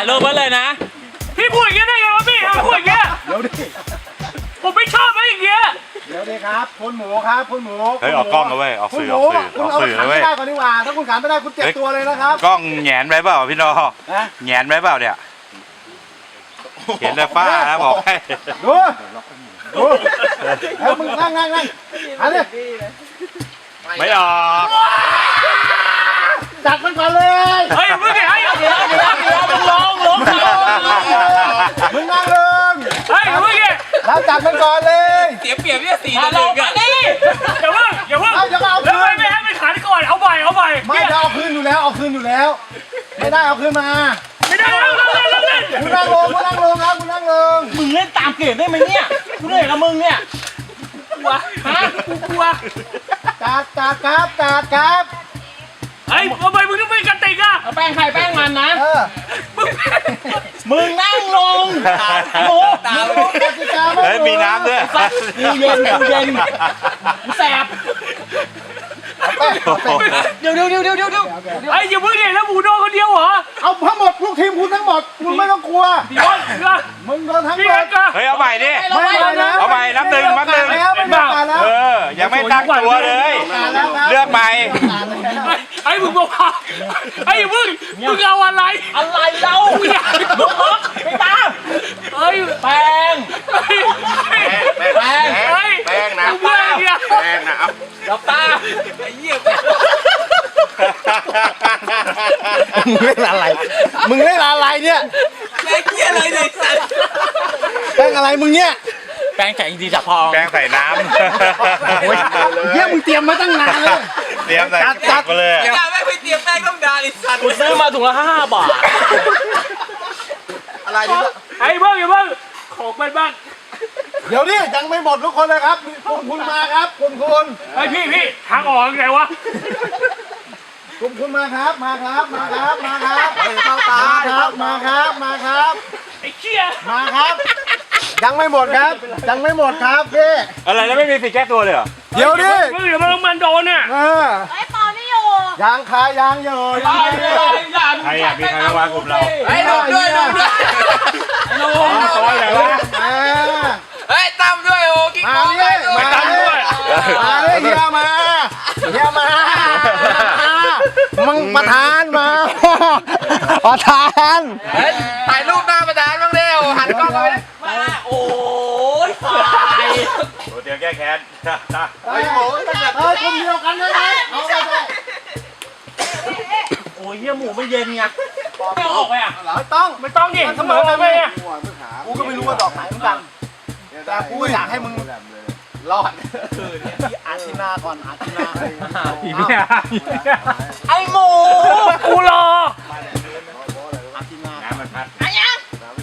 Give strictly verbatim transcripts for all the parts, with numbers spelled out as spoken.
ายรูปไว้เลยนะพี่พูดอย่างเงี้ยได้ไงวะพี่พูดอย่างเงี้ยเดี๋ยวดิผมไม่ชอบอะไรอย่างเงี้ยเดี๋ยวดิครับคุณหมูครับคุณหมูเฮ้ยออกกล้องนะเว้ยออกสื่อออกสื่อออกสื่อนะเว้ยคุณเอาขันไม่ได้ก่อนดีกว่าถ้าคุณขันไม่ได้คุณเจ็บตัวเลยนะครับกล้องแหงนไปเปล่าพี่นอแหงนไปเปล่าเนี่ยเห็นแต่ฝ้านะบอกให้ดูดูแล้วมึงนั่งนั่งนั่งหันดิไม่ออกจัดมันก่อนเลยเฮ้ยมึงไงเดี๋ยวเดี๋ยวเดี๋ยวมึงลงลงมึงนั่งลงเฮ้ยมึงไงแล้วจัดมันก่อนเลยเสียเปรียบเนี่ยสี่ต่อหนึ่งอ่ะอย่าเพิ่งอย่าเพิ่งเอาอย่าเอาคืนแล้วไม่ให้ไปขันก่อนเอาใหม่เอาใหม่ไม่จะเอาคืนอยู่แล้วเอาคืนอยู่แล้วไม่ได้เอาคืนมาไม่ได้เล่นเล่นเล่นคุณนั่งลงคุณนั่งลงครับคุณนั่งลงมึงเล่นตามเกมได้ไหมเนี่ยกูเหนื่อยกับมึงเนี่ยกลัวฮะกูกลัวจัดจัดครับจัดครับเฮ้ยทำไมมึงต้องเป็นกติกอ่ะแป้งใครแป้งมันนะมึงนั่งลงโอ้ตามเฮ้ยมีน้ำด้วยกูเย็นกูเย็นกูแสบเดี๋ยวเดี๋ยวเดี๋ยวเดี๋ยวเดี๋ยวไอ้อย่าเพิ่งเนี่ยแล้วหมูโดนคนเดียวเหรอเอาทั้งหมดลูกทีมคุณทั้งหมดคุณไม่ต้องกลัวเดี๋ยวมึงโดนทั้งหมดเฮ้ยเอาใหม่ดิเอาใหม่นับหนึ่งนับหนึ่งเออยังไม่ตั้งตัวเลยเลือกใหม่ไอ้มึงบอกว่าไอ้มึงมึงเอาอะไรอะไรเราไม่ตามเฮ้ยแป้งแป้งแป้งนะแป้งเนี่ยแป้งนะเอาดับตาไอ้เหี้ยมึงเล่นอะไรมึงเล่นอะไรเนี่ยแป้งเหี้ยอะไรเนี่ยแป้งอะไรมึงเนี่ยแป้งแข็งดีจับพองแป้งใส่น้ำเยี่ยมึงเตรียมมาตั้งนานเลยเตรียมใส่จัดไปเลยอย่าไม่ไปเตรียมแป้งต้องการอีสัตว์กูซื้อมาถุงละห้าบาทอะไรดิไอ้เบิ้งอย่าเบิ้งของไปบ้างเดี๋ยวนี่ยังไม่หมดทุกคนเลยครับคุณคุณมาครับคุณคุณไอ้พี่พี่ทางออกไงวะคุณคุณมาครับมาครับมาครับมาครับเข้าตาครับมาครับมาครับไอ้เชี่ยมาครับยังไม่หมดครับยังไม่หมดครับพี่อะไรแล้วไม่มีสิทธิ์แก้ตัวเลยเหรอเดี๋ยวดิเดี๋ยวมันมันโดนอ่ะเออไอ้ปอไม่อยู่ยังคายังอยู่ยังใครอ่ะมีใครมากลุ่มเราไอ้ลงด้วยลงด้วยลงซอยไหนวะเฮ้ยตั้มด้วยโอ้กิ๊กมาเลยมาตั้มด้วยมาเลยเฮียมาเฮียมามึงประธานมาประธานถ่ายรูปหน้าประธานบ้างเร็วหันกล้องไปมาโอ้ยตายโอ้เดี๋ยวแก้แค้นเฮ้ยโอ้ยเฮ้ยคนเดียวกันเลยนะเอาไปเลยโอ้ยเฮียหมูไม่เย็นไงไม่ออกไปอ่ะไม่ต้องไม่ต้องดิเสมอไปอ่ะกูก็ไม่รู้ว่าดอกไหนมันดังแต่กูอยากให้มึงรอดคือเนี่ยที่อาทินาก่อนอาทินาอีเนี่ยไอหมูกูรออาทินาน้ำมันพัดไอ้ยัง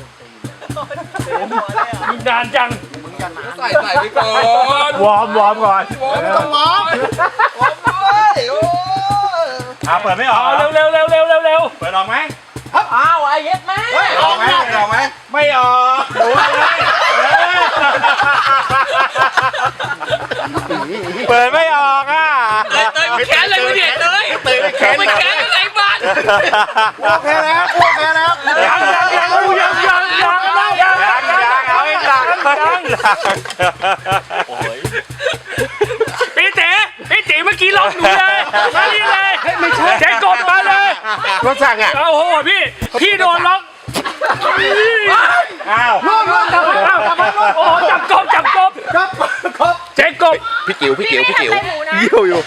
มึงนานจังมึงอย่านานใส่ใส่ไปก่อนวอร์มวอร์มก่อนไม่ต้องวอร์มวอร์มด้วยโอ้อ่าเปิดไม่ออกเร็วเร็วเร็วเร็วเร็วเร็วเปิดออกไหมอ้าวไอ้เย็ดแม่ออกไหมออกไหมไม่ออกโอ้ยเปิดไม่ออกอ่ะเตยเตยแขนอะไรมึงเนี่ยเตยเตยแขนไม่แขนอะไรบ้านโอเคแล้วโอเคแล้วยังยังยังยังยังยังยังยังยังเอาอีกหลังยังโอ้ยพี่เต๋พี่เต๋เมื่อกี้ร้องหนูเลยมานี่เลยไม่ใช่แกกดมาเลยรถสั่งอ่ะโอ้โหพี่พี่โดนร้องอ้าวนู่นนู่นจับโอ้จับกบจับกบจับกบเจ๊กบพี่จิ๋วพี่จิ๋วพี่จิ๋วอยู่อยู่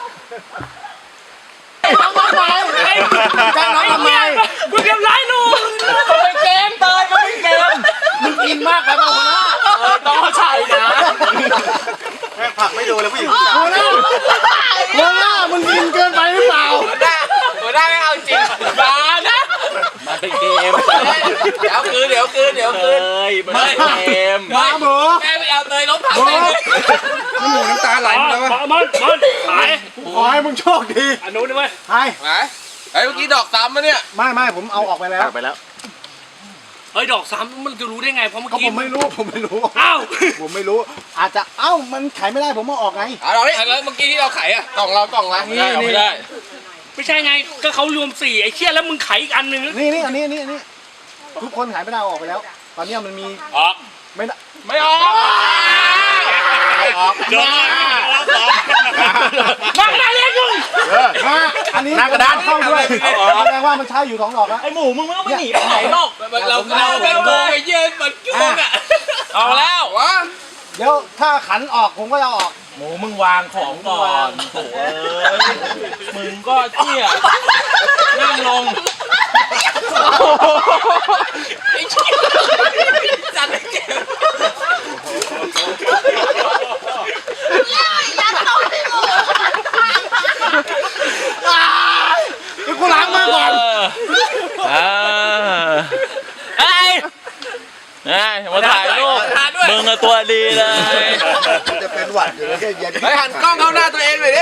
ทำไมจ้างน้องทำไมมึงเกมไล่หนูมันเป็นเกมเตยมันเป็นเกมมึงกินมากไปเปล่าหัวหน้าต้องใช่นะแม่ผักไม่ดูเลยผู้หญิงหัวหน้าหัวหน้ามึงกินเกินไปหรือเปล่าหัวหน้าหัวหน้าไม่เอาจริงมานะมันเป็นเกมเดี๋ยวคืนเดี๋ยวคืนเดี๋ยวคืนมันเป็นเกมมาหมูแม่ไม่เอาเตยล้มผักเลยหมูน้ำตาไหลแล้วมันมันมันหายขอให้มึงโชคดีอันนู้นด้วยไปไปไอ้เมื่อกี้ดอกซ้ำมาเนี่ยไม่ไม่ผมเอาออกไปแล้วไปแล้วเฮ้ยดอกซ้ำมันจะรู้ได้ไงเพราะเมื่อกี้ผมไม่รู้ผมไม่รู้อ้าวผมไม่รู้อาจจะเอ้ามันขายไม่ได้ผมมาออกไงเอาเราดิแล้วเมื่อกี้ที่เราขายอ่ะกล่องเรากล่องละนี่ไม่ได้ไม่ใช่ไงก็เขารวมสี่ไอ้เชี่ยแล้วมึงขายอีกอันหนึ่งนี่นี่อันนี้นี่นี่ทุกคนหายไม่ได้ออกไปแล้ว ตอนนี้มันมีออกไม่ได้ไม่ออกไม่ออกเดินมานักกระดานเรียกยุ่งมาอันนี้หน้ากระดานเข้าด้วยแสดงว่ามันใช้อยู่สองดอกแล้วไอหมูมึงไม่ต้องไปหนีไปไหนนอกเราเราเป็นโกงไอ้เย็นมันโกงอ่ะเอาแล้ววะเดี๋ยวถ้าขันออกผมก็จะออกหมูมึงวางของก่อนโถ่เอ้ยมึงก็เที่ยนั่งลงจัดให้เจ็บนี่กูล้างมือก่อนเออไอ้ไอ้มาถ่ายรูปมึงอะตัวดีเลยจะเป็นหวัดอยู่แล้วเย็นไปหันกล้องเข้าหน้าตัวเองเลยดิ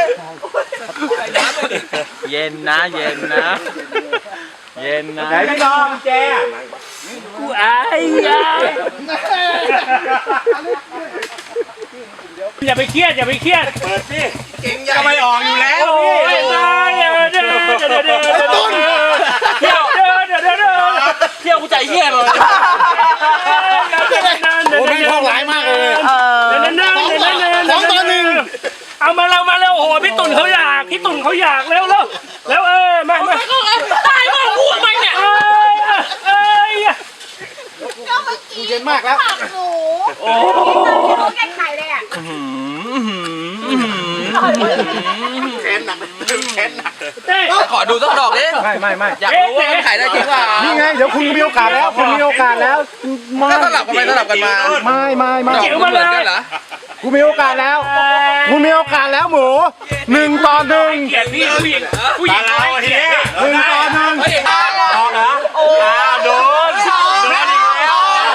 เย็นนะเย็นนะเย็นนะไหนพี่น้องแจกูอายอ่ะอย่าไปเครียดอย่าไปเครียดเปิดสิเก่งใหญ่ก็ไม่ออกอยู่แล้วโอ้ยได้เดี๋ยวเดี๋ยวเดี๋ยวเดี๋ยวเดี๋ยวเที่ยวเดี๋ยวเดี๋ยวเดี๋ยวเดี๋ยวเที่ยวกูใจเหี้ยเลยโอ้ไม่ท้องร้ายมากเลยนั่นนั่นนั่นนั่นสองต่อหนึ่งเอามาเรามาเร็วโอ้โหพี่ตุ่นเขาอยากพี่ตุ่นเขาอยากเร็วเร็วแล้วเออมามาตายมาพูดไปเนี่ยเอ้ยเอ้ยกูเย็นมากแล้วหมูโอ้เขาแกงไข่เลยอ่ะแค้นหนักแค้นหนักเต้ขอดูสักดอกดิไม่ไม่ไม่อยากรู้ว่ามันขายได้จริงเปล่านี่ไงเดี๋ยวคุณมีโอกาสแล้วคุณมีโอกาสแล้วมาถ้าสลับกันไปสลับกันมาไม่ไม่ไม่ดอกมันเหมือนกันเหรอกูมีโอกาสแล้วกูมีโอกาสแล้วหมูหนึ่งต่อหนึ่งเกลียดพี่ผู้หญิงผู้หญิตาง เราทีนี้หนึ่งต่อหนึ่งเฮ้ยออกเหรออ้าวโดนโดนอีกแล้ว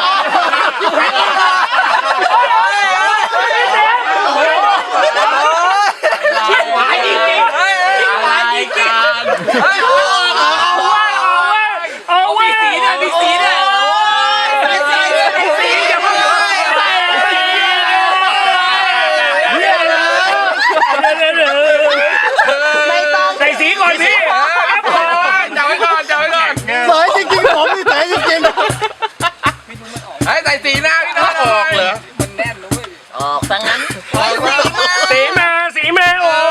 หายจริงจริงหายจริงจริงเอาเว้ยเอาเว้ยมีสีด้วยมีสีด้วยมีสีด้วยมีสีอย่าเพิ่งใส่สีก่อนพี่ครับผมจับไว้ก่อนจับไว้ก่อนเสยจริงๆผมนี่เสยจริงเฮ้ยใส่สีหน้าพี่น้องออกเหรอออกซะงั้นออกมาสีมาสีมาโอ้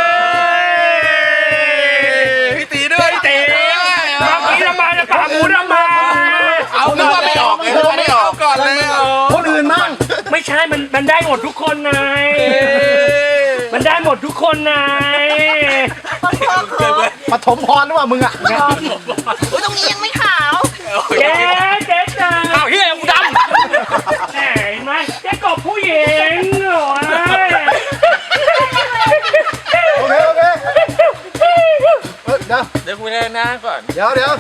ยพี่ตีด้วยเต๋มาสีทำไมจะปากหมูทำไมเอานึกว่าไม่ออกเลยนึกว่าไม่ออกก่อนเลยๆคนอื่นมั่งไม่ใช่มันมันได้หมดทุกคนนายมันได้หมดทุกคนนายปฐมพรหรือเปล่ามึงอ่ะอุ้ยตรงนี้ยังไม่ขาวเจ๊เจ๊จ้าอ้าวเฮียกูดำแหมเห็นไหมเจ๊กบผู้หญิงโอ้ยโอเคโอเคเออเดี๋ยวเดี๋ยวคุยหน้าก่อนเดี๋ยวเดี๋ยว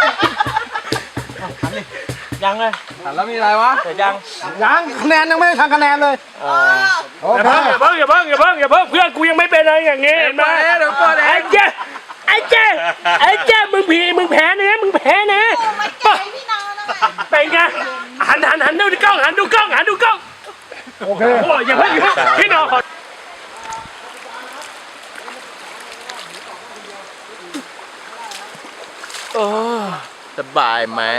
ยังเลยหันแล้วมีอะไรวะเดี๋ยวยังยังคะแนนยังไม่ได้ทำคะแนนเลยโออย่าเคเพิ่งอย่าเพิ่งอย่าเพิ่งอย่าเพิ่งอย่าเพิ่งเพื่อนกูยังไม่เป็นอะไรอย่างงี้เห็นไหมเดี๋ยวก่อนเดี๋ยวก่อนไอ้เจ๊ไอ้เจ๊ไอ้เจ๊มึงผีมึงแพ้นะมึงแพ้นะไม่เก่งพี่น้องนะเป็นไงหันหันหันดูกล้องหันดูกล้องหันดูกล้องโอเคโอ้ยอย่าเพิ่งอย่าเพิ่งพี่น้องขอโอ้สบายไหม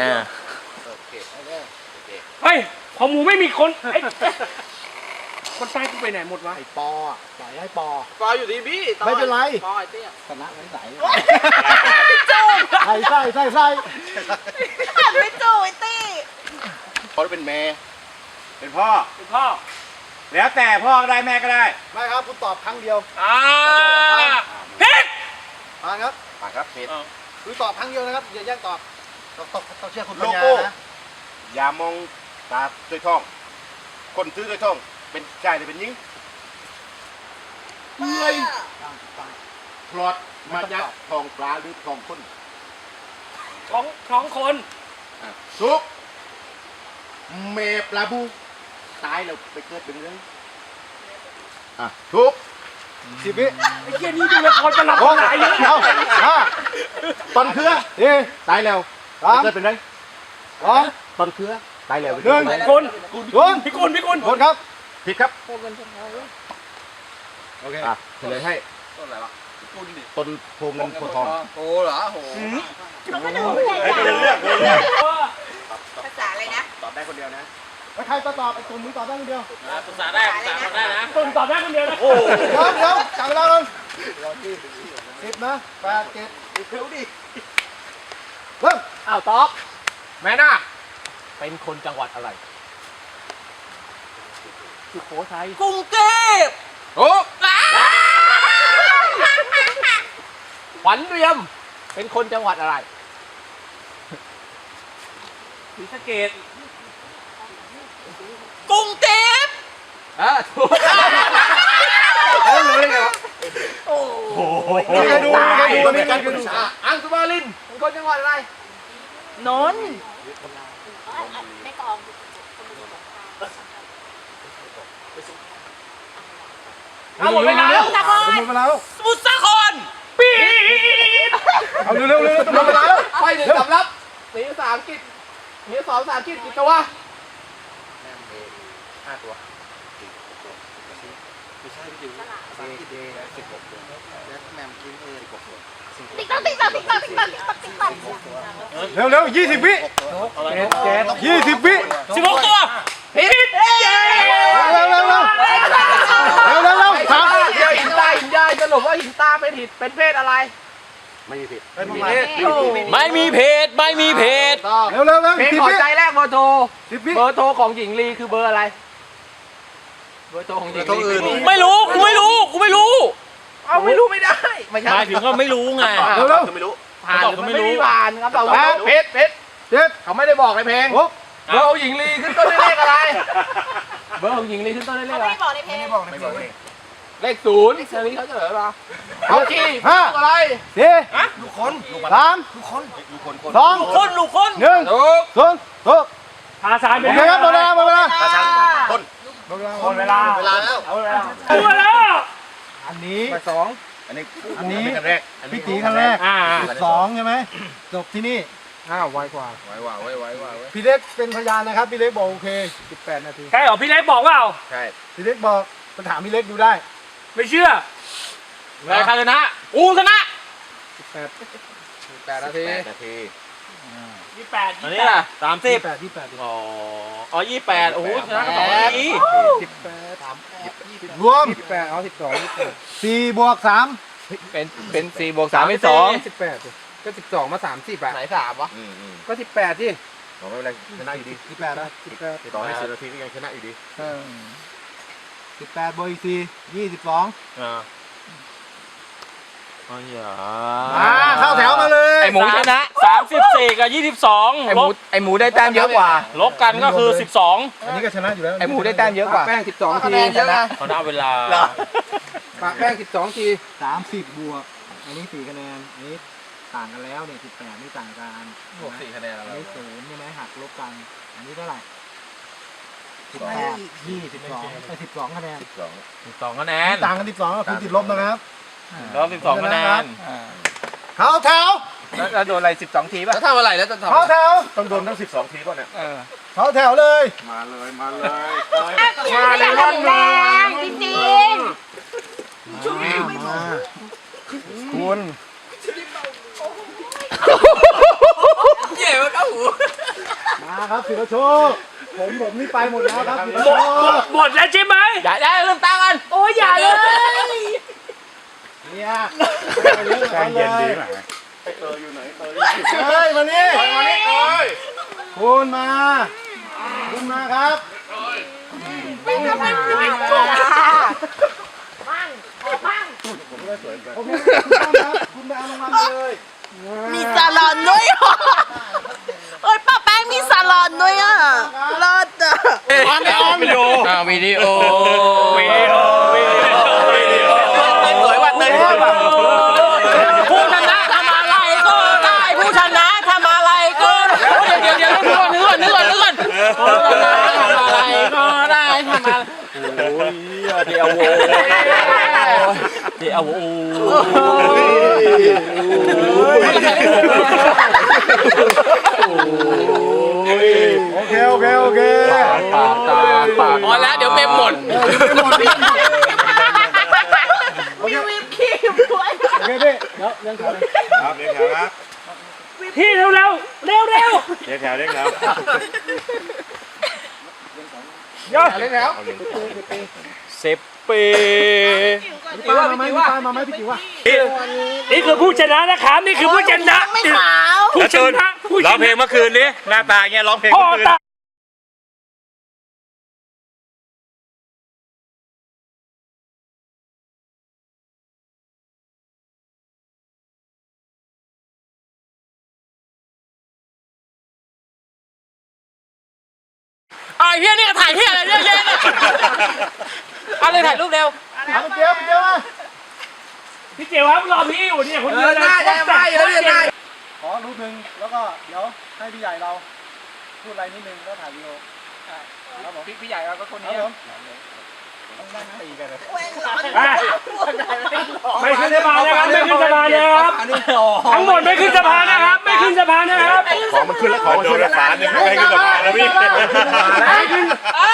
เฮ้ยพอหมูไม่มีคนไอ้คนใต้กูไปไหนหมดวะไอ้ปออ่ะปล่อยให้ปอปออยู่ที่พี่ไม่เป็นไรปอไอ้เตี้ยชนะไม่ใส่ใส่ใส่ใส่ใส่หันไปจู่ไอ้ตี้เขาเป็นแม่เป็นพ่อคุณพ่อแล้วแต่พ่อก็ได้แม่ก็ได้ไม่ครับคุณตอบครั้งเดียวอ่าพิษมาครับปากครับเพชรคือตอบครั้งเดียวนะครับอย่าแย่งตอบต้องต้องต้องเชื่อคุณปัโลญญาโก้นะอย่ามองตาด้วยท้อง คนซื้อด้วยท้อง เป็นชายหรือเป็นหญิงเมื่อยพลอดมายัดทองปลาหรือทองคนท้องท้องคนอ่ะซุปเมปลาบูตายแล้วไปเกิดเป็นเรื่องอ่ะทุกสิบวิไอ้เหี้ยนี่ดูละครประหลาดโอ้หลายเยอะเอาห้าตอนเครือเอ๊ะตายแล้วสามไปเกิดเป็นไรสองตอนเครือตายแล้วหนึ่งคนคุณพี่กุลพี่กุลคนครับผิดครับโอเคอ่ะเฉลยให้ต้นอะไรวะต้นโพเงินโพทองโอ้เหรอโหหนูก็ดูใหญ่เลือกเลือกดียวนะแล้วใครตอบไอ้ตุ่มมึงตอบได้คนเดียวปรึกษาได้ปรึกษาได้นะตุ่มตอบได้คนเดียวนะเดี๋ยวเดี๋ยวจับเวลาลงสิบนะแปดเจ็ดเร็วดิเริ่มอ้าวตอบแม่นาคเป็นคนจังหวัดอะไรสุโขทัยกรุงเทพโอ้ขวัญเรียมเป็นคนจังหวัดอะไรศรีสะเกษกรุงเทพอ่ะถูกเอ้ยเลยเหรอโอ้โหมีใครดูมีใครดูมีใครดูอ่ะอังสุมาลินเป็นคนจังหวัดอะไรนนท์เอาหมดเวลาแล้วนครหมดเวลาแล้วสมุทรสาครปี๊ดเอาเร็วเร็วเร็วหมดเวลาแล้วไปหนึ่งสำรับสีภาษาอังกฤษมีสองภาษาอังกฤษกี่ตัวห้าตัวติ๊กต๊อกติ๊กต๊อกติ๊กต๊อกติ๊กต๊อกติ๊กต๊อกติ๊กต๊อกเร็วเร็วยี่สิบวิยี่สิบวิสิบหกตัวผิดเร็วเร็วเร็วเร็วเร็วเร็วสามเดี๋ยวหินตาหินยายสรุปว่าหินตาเป็นหินเป็นเพศอะไรไม่มีผิดเป็นประมาณไม่มีเพศไม่มีเพศเร็วเร็วเร็วเพลงสิบขอวิใจแรกเบอร์โทรสิบวิเบอร์โทรของหญิงลีคือเบอร์อะไรเบอร์โทรของหญิงลีไม่รู้ กูไม่รู้ กูไม่รู้เอาไม่รู้ไม่ได้ไม่ใช่หมายถึงว่าไม่รู้ไงเร็วเร็วคือไม่รู้ผ่านหรือเขาบอกเขาไม่ไม่รู้มีผ่านครับเราแปดเพชรเพชรเจ็ดเขาไม่ได้บอกในเพลงหกเบอร์ของหญิงลีขึ้นต้นด้วยเลขอะไรเบอร์ของหญิงลีขึ้นต้นด้วยเลเขาขอะไรไม่บอกในเพลงไม่บอกเลยเลขศูนย์เซอร์นี้เขาเฉลยมาเอาขี้ห้าอะไรสี่สามสองคนลูกคนหนึ่งถูกศูนย์ถูกภาษาโอเคครับหมดเวลาหมดเวลาตาชันต้นหมดเวลาหมดเวลาเวลาแล้วเอาเวลาเอาเวลาอันนี้ไปสองอันนี้อันนี้ขั้นแรกพี่ตีครั้งแรกอ่าสองใช่ไหมจบที่นี่อ้าวไวกว่าไว้ว่าไว้ไว้ไว้พี่เล็กเป็นพยานนะครับพี่เล็กบอกโอเคสิบแปดนาทีใช่เหรอพี่เล็กบอกว่าใช่พี่เล็กบอกไปถามพี่เล็กดูได้ไม่เชื่อใครชนะกูชนะสิบแปดแปดนาทีแปดนาทียี่แปดอันนี้ล่ะสามสิบแปดที่แปดอ๋ออ๋อยี่แปดโอ้โหชนะกันสองนาทีสิบแปดรวมสิบแปดเอาสิบสองสี่บวกสามเป็นเป็นสี่บวกสามเป็นสองสิบแปดก็สิบสองมาสามสิบอะไหนสามวะอืมอืมก็สิบแปดที่บอกไม่เป็นไรชนะอยู่ดีสิบแปดนะสิบแปดต่อให้สิบนาทีก็ยังชนะอยู่ดีสิบแปดบวกอีกสี่ยี่สิบสองอ่าอ๋ออย่าอ่าเข้าแถวมาเลยไอหมูชนะสามสิบสี่กับยี่สิบสองไอหมูไอหมูได้แต้มเยอะกว่าลบกันก็คือสิบสองอันนี้ก็ชนะอยู่แล้วไอหมูได้แต้มเยอะกว่าแป้งสิบสองทีชนะเขาได้เวลาปะแป้งสิบสองทีสามสิบบวกอันนี้สี่คะแนนอันนี้ต่างกันแล้วเนี่ยสิบแปดนี่ต่างกันบวกสี่คะแนนอันแล้วนี้ศูนย์ใช่ไหมหักลบกัน อันนี้เท่าไหร่สิบแปดยี่สิบสองไอ้สิบสองคะแนนสิบสองสิบสองคะแนนต่างกันสิบสองก็คือติดลบนะครับลบสิบสองคะแนนเข้าแถวแล้วโดนอะไรสิบสองทีป่ะแล้วทำอะไรแล้วจะทำเข้าแถวต้องโดนทั้งสิบสองทีป่ะเนี่ยเข้าแถวเลยมาเลยมาเลยมาเลยร่อนแรงจริงมาคุณเย่มันเอาหูมาครับศิลโชคผมผมนี่ไปหมดแล้วครับศิลโชคหมดแล้วใช่ไหมอย่าได้เริ่มตั้งกันโอ้ยอย่าเลยเนี่ยใจเย็นดีไหมเตยอยู่ไหนเตยเฮ้ยมานี่มานี่เอ้ยคุณมาคุณมาครับไม่ทำเป็นไม่ถูกบ้างขอบ้างโอเคคุณต้องครับคุณไปเอารางวัลเลยมีซาลอนด้วยเหรอเอ้ยป้าแป้งมีซาลอนด้วยอ่ะเลิศอ่ะออนออนวิดีโออ่าวิดีโอวิดีโอวิดีโอวิดีโอสวยว่ะเต้นสวยว่ะผู้ชนะทำอะไรก็ได้ผู้ชนะทำอะไรก็ได้เดี๋ยวเดี๋ยวเดี๋ยวนึกก่อนนึกก่อนนึกก่อนนึกก่อนผู้ชนะทำอะไรก็ได้ทำอะไรโอ้ยเดี๋ยวโว้เดี๋ยวโว้โอเคโอเคโอเคปากตาปากพอแล้วเดี๋ยวเมมหมดมีวิปครีมด้วยโอเคพี่เดี๋ยวเรื่องขอเลยครับเรียกแถวครับพี่เร็วเร็วเร็วเร็วเรียกแถวเรียกแถวเดี๋ยวเล่นแล้วสิบปีพี่ป้ามาไหมพี่ป้ามาไหมพี่จิ๋วอ่ะนี่คือผู้ชนะนะครับนี่คือผู้ชนะไม่ขาวผู้ชนะผู้ชร้องเพลงนะเมื่อคืนนี้หน้าตาเงี้ยร้องเพลงพ่อเมื่อคืนตาไอ้เฮียนี่ก็ถ่ายเฮียอะไรเยอะแยะเนี่ยเอาเลยถ่ายรูปเร็วเอาไปเจียวไปเจียวมาพี่เจ๋วครับรอพี่อยู่เนี่ยคนเดียวนะขอรูปหนึ่งแล้วก็เดี๋ยวให้พี่ใหญ่เราพูดอะไรนิดนึงแล้วถ่ายวิดีโอครับผมพี่ใหญ่เราก็คนครันี้บผมอ่ะไม่ขึ้นสะพานนะครับไม่ขึ้นสะพานนะครับทั้งหมดไม่ขึ้นสะพานนะครับไม่ขึ้นสะพานนะครับของมันขึ้นแล้วของมันโดขึ้นนรัแล้วกษาเนี่ยไม่ให้ขึ้นสะพานแล้วพี่ไม่ขึ้น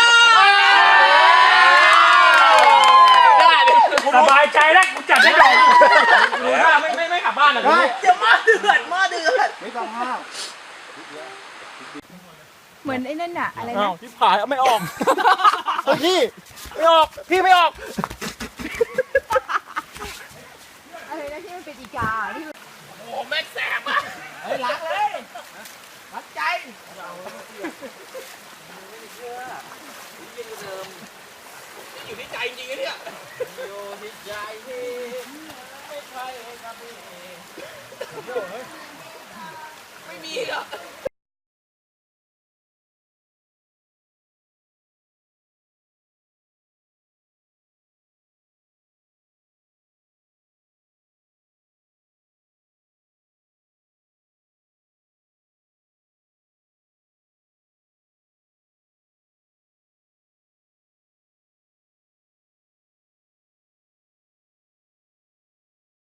สบายใจแล้วกูจัดให้หน่อยไม่ไม่ไม่กลับบ้านเหรอได้เดี๋ยวหม้อเดือดหม้อเดือดไม่ต้องห้ามเหมือนไอ้นั่นน่ะ อะไรนะที่ผ่านไม่ออกเฮ้ยพี่ไม่ออก พี่ไม่ออกอะไรนะที่มันเป็นอีกาที่อยู่ที่ใจจริงๆเนี่ยอยู่ที่ใจที่ไม่ใช่กับพี่ไม่มีหรอก